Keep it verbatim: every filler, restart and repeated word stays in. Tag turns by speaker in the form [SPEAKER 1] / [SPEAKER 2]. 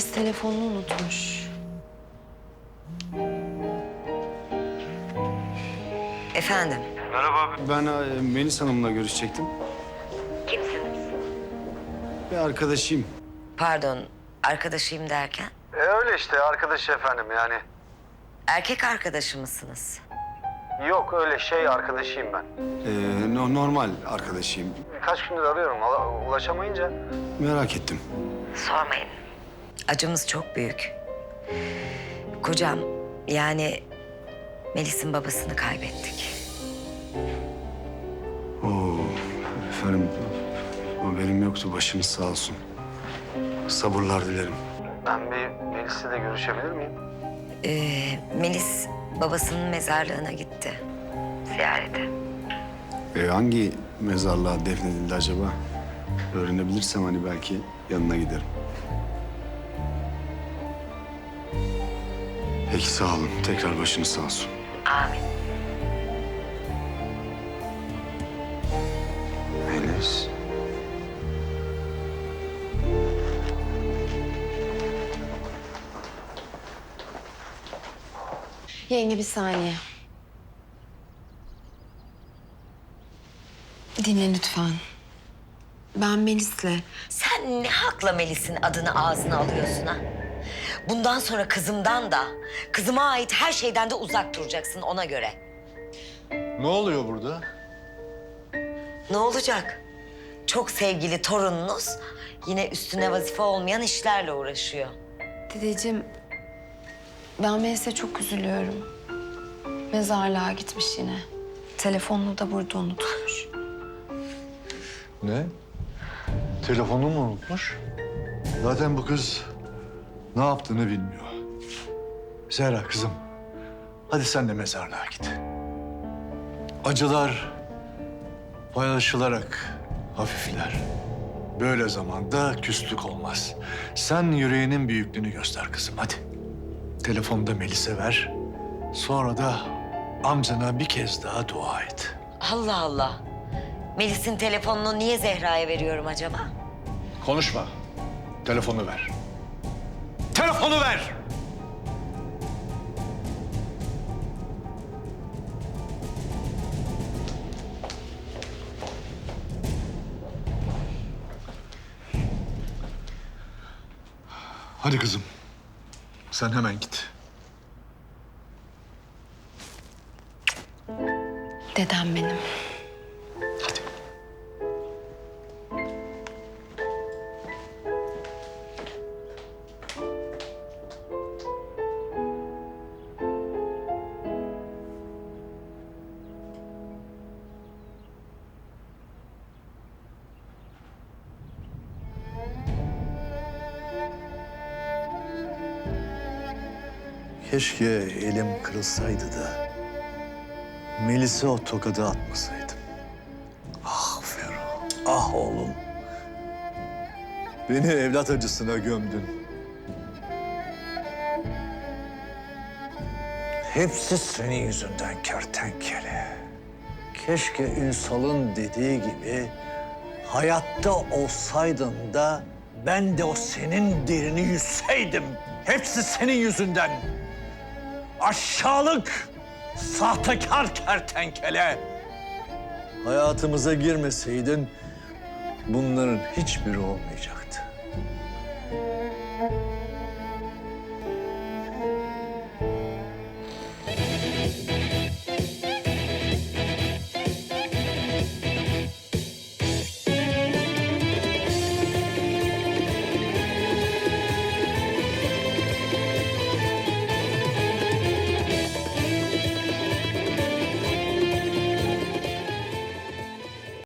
[SPEAKER 1] Melis telefonunu unutmuş.
[SPEAKER 2] Efendim?
[SPEAKER 3] Merhaba. Ben e, Melis Hanım'la görüşecektim.
[SPEAKER 2] Kimsiniz?
[SPEAKER 3] Bir arkadaşıyım.
[SPEAKER 2] Pardon, arkadaşıyım derken?
[SPEAKER 3] E öyle işte arkadaşı efendim yani.
[SPEAKER 2] Erkek arkadaşı mısınız?
[SPEAKER 3] Yok öyle şey arkadaşıyım ben. Ee, no, normal arkadaşıyım. Birkaç gündür arıyorum ulaşamayınca. Merak ettim.
[SPEAKER 2] Sormayın. Acımız çok büyük. Kocam, yani Melis'in babasını kaybettik.
[SPEAKER 3] Oo, efendim haberim yoktu. Başınız sağ olsun. Sabırlar dilerim. Ben bir Melis'le de görüşebilir miyim?
[SPEAKER 2] Ee, Melis babasının mezarlığına gitti. Ziyarete.
[SPEAKER 3] E, hangi mezarlığa defnedildi acaba? Öğrenebilirsem hani belki yanına giderim. Peki sağ olun. Tekrar başınız sağ olsun.
[SPEAKER 2] Amin.
[SPEAKER 3] Melis.
[SPEAKER 1] Yenge bir saniye. Dinle lütfen. Ben Melis'le...
[SPEAKER 2] Sen ne hakla Melis'in adını ağzına alıyorsun ha? Bundan sonra kızımdan da, kızıma ait her şeyden de uzak duracaksın ona göre.
[SPEAKER 4] Ne oluyor burada?
[SPEAKER 2] Ne olacak? Çok sevgili torununuz yine üstüne vazife olmayan işlerle uğraşıyor.
[SPEAKER 1] Dedeciğim, ben Melis'e çok üzülüyorum. Mezarlığa gitmiş yine. Telefonunu da burada unutmuş.
[SPEAKER 4] Ne? Telefonunu mu unutmuş? Zaten bu kız ne yaptığını bilmiyor. Zehra kızım, hadi sen de mezarlığa git. Acılar paylaşılarak hafifler. Böyle zamanda küslük olmaz. Sen yüreğinin büyüklüğünü göster kızım, hadi. Telefonu da Melis'e ver. Sonra da amcana bir kez daha dua et.
[SPEAKER 2] Allah Allah. Melis'in telefonunu niye Zehra'ya veriyorum acaba?
[SPEAKER 4] Konuşma. Telefonu ver. Telefonu ver! Hadi kızım. Sen hemen git.
[SPEAKER 1] Dedem benim.
[SPEAKER 4] Hadi. Keşke elim kırılsaydı da Melis'e o tokadı atmasaydım. Ah Ferruh, ah oğlum. Beni evlat acısına gömdün. Hepsi senin yüzünden kertenkele. Keşke Ünsal'ın dediği gibi hayatta olsaydın da ben de o senin derini yüzseydim. Hepsi senin yüzünden. Aşağılık, sahtekar kertenkele. Hayatımıza girmeseydin bunların hiçbiri olmayacaktı.